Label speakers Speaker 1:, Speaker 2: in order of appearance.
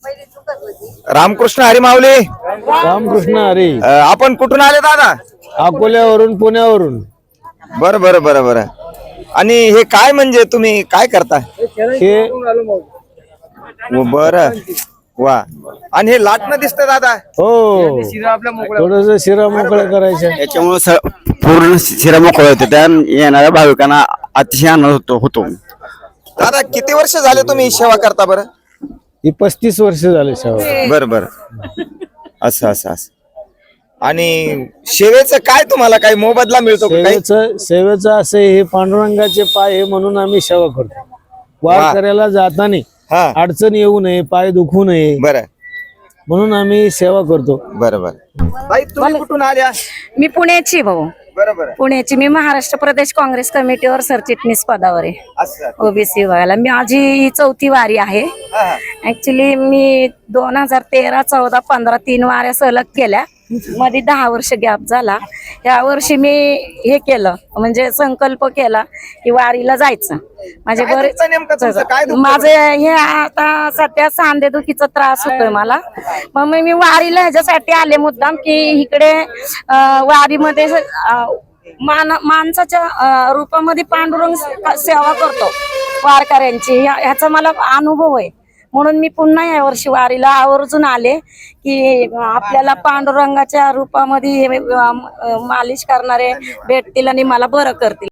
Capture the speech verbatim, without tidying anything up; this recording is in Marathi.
Speaker 1: रामकृष्ण हरी माऊली.
Speaker 2: रामकृष्ण हरी.
Speaker 1: अ, आपण कुठून आले दादा?
Speaker 2: अकोल्यावरून पुण्यावरून.
Speaker 1: बरं बरं बरं बरं. आणि हे काय म्हणजे तुम्ही काय करता?
Speaker 2: हे
Speaker 1: व बरं वा. आणि हे लाटणं दिसतं दादा.
Speaker 2: हो थोडस शिरा मोकळं करायचं.
Speaker 3: याच्यामुळे पूर्ण शिरा मोकळा होते. त्या येणाऱ्या भाविकांना अतिशय आनंद होतो होतो
Speaker 1: दादा किती वर्ष झाले तुम्ही सेवा करता बरं?
Speaker 2: ही पस्तीस वर्ष झाले सेवा.
Speaker 1: बरं बरं. असं असं असं. आणि सेवेचं काय तुम्हाला काही मोबदला मिळतो का काही?
Speaker 2: सेवेचं सेवेचं असं आहे, हे पांडुरंगाचे पाय आहे म्हणून आम्ही सेवा करतो. वार करायला जाताना
Speaker 1: हा
Speaker 2: अडचण येऊ नये, पाय दुखू नये
Speaker 1: बरं
Speaker 2: म्हणून आम्ही सेवा करतो.
Speaker 1: बरं बरं. ताई तुम्ही कुठून आल्या?
Speaker 4: मी पुण्याची भाऊ,
Speaker 1: बरं बरं.
Speaker 4: पुण्याची. मी महाराष्ट्र प्रदेश काँग्रेस कमिटीवर सरचिटणीस पदावर आहे
Speaker 1: असं.
Speaker 4: ओबीसी विभागाला. माझी ही चौथी वारी आहे.
Speaker 1: हा, हा.
Speaker 4: ऍक्च्युली मी दोन हजार तेरा चौदा पंधरा तीन वाऱ्या सलग केल्या. मध्ये दहा वर्ष गॅप झाला. या वर्षी मी हे केलं, म्हणजे संकल्प केला की वारीला जायचं. माझे
Speaker 1: काय
Speaker 4: बरेच
Speaker 1: दुखतं नेमकं तुमचं? काय दुखतं?
Speaker 4: माझे हे आता सध्या सांधेदुखीचा त्रास होतोय मला. मग मी मी वारीला ह्याच्यासाठी आले मुद्दाम की इकडे अं, वारीमध्ये अं, मान माणसाच्या अं, रूपामध्ये पांडुरंग सेवा करतो वारकऱ्यांची. ह्या- ह्याचा मला अनुभव आहे. म्हणून मी पुन्हा या वर्षी वारीला आवर्जून आले की आपल्याला पांडुरंगाच्या रूपामध्ये हे, अं, मालिश करणारे भेटतील आणि मला बरं करतील.